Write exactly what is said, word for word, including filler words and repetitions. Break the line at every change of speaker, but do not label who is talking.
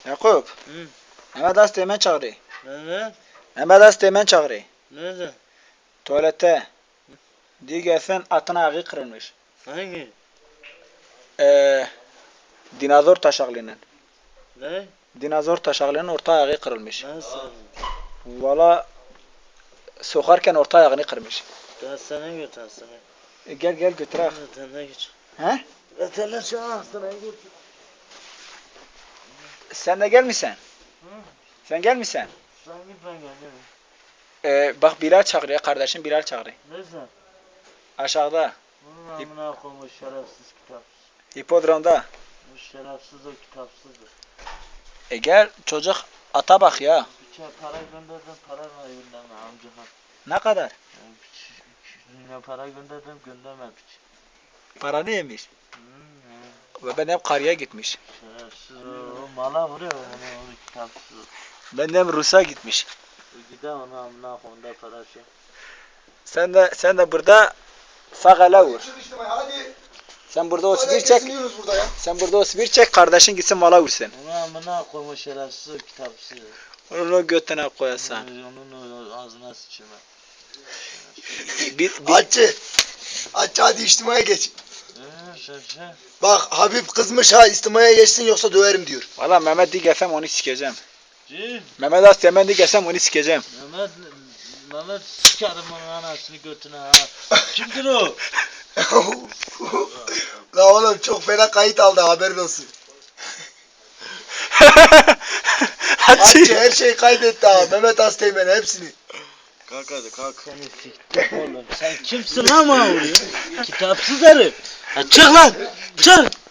Yakup.
Hı.
Mehmet Asteğmen çağırıyor.
Evet.
Mehmet Asteğmen çağırıyor.
Nerede?
Tuvalette. Diyor gelsen atın ayağı kırılmış.
Hangi?
Ee, dinozor taşaklının.
Ne?
Dinozor taşaklının orta ayağı kırılmış.
Nasıl?
Valla sokarken orta ayağını kırmış.
Hastaneye götür hastaneye.
E, gel gel götürek.
Hastaneye götür.
He?
Veteriner şu an hastaneye götür.
Sen de gelmişsin.
Hı?
Sen gelmişsin.
Sen git ben geliyorum.
Ee, bak Bilal çağırıyor. Kardeşim Bilal çağırıyor.
Nerede?
Aşağıda.
Bunun amına koymuş şerefsiz kitapsız.
Hipodromda.
Bu şerefsiz o kitapsızdır.
E gel çocuk ata bak ya.
Bir çay para gönderdim para var gönderme amca.
Ne kadar?
Yani piç, ne para gönderdim gönderme piç.
Paranı yemiş.
Hmm,
Ve ben hep karıya gitmiş.
şerefsiz o mala vuruyor onu onu kitapsız.
Ben de hep Rus'a gitmiş.
E gider onu amına koyunda para şey.
Sen de sen de burada fakala vur.
Hadi.
Sen burada o
Hadi
sibir çek.
kesiniyoruz burada ya.
Sen burada o sibir çek, kardeşin gitsin mala vursun.
Onu amına koymuş şerefsiz o kitapsız.
Onun o götüne koyasan.
Onun o ağzına sıçayım.
Bir, bir,
Hacı. Hacı hadi içtimaya geç.
Eee şerefsiz.
Bak Habib kızmış ha istimaya geçsin yoksa döverim diyor.
valla Mehmet di gelsem onu sikeceğim.
Cim.
Mehmet Asteğmen di gelsem onu sikeceğim.
Mehmet, Mehmet sikerim onun anasını götüne ha. Kimdir o?
La oğlum çok fena kayıt aldı haberin olsun. Hacı
Hacı.
her şeyi kaydetti ha. Mehmet Asteğmen hepsini.
Kalk hadi kalk. Seni siktim oğlum. Sen kimsin lan bana vuruyor? Kitapsız herif. Ha, çık lan. Çık.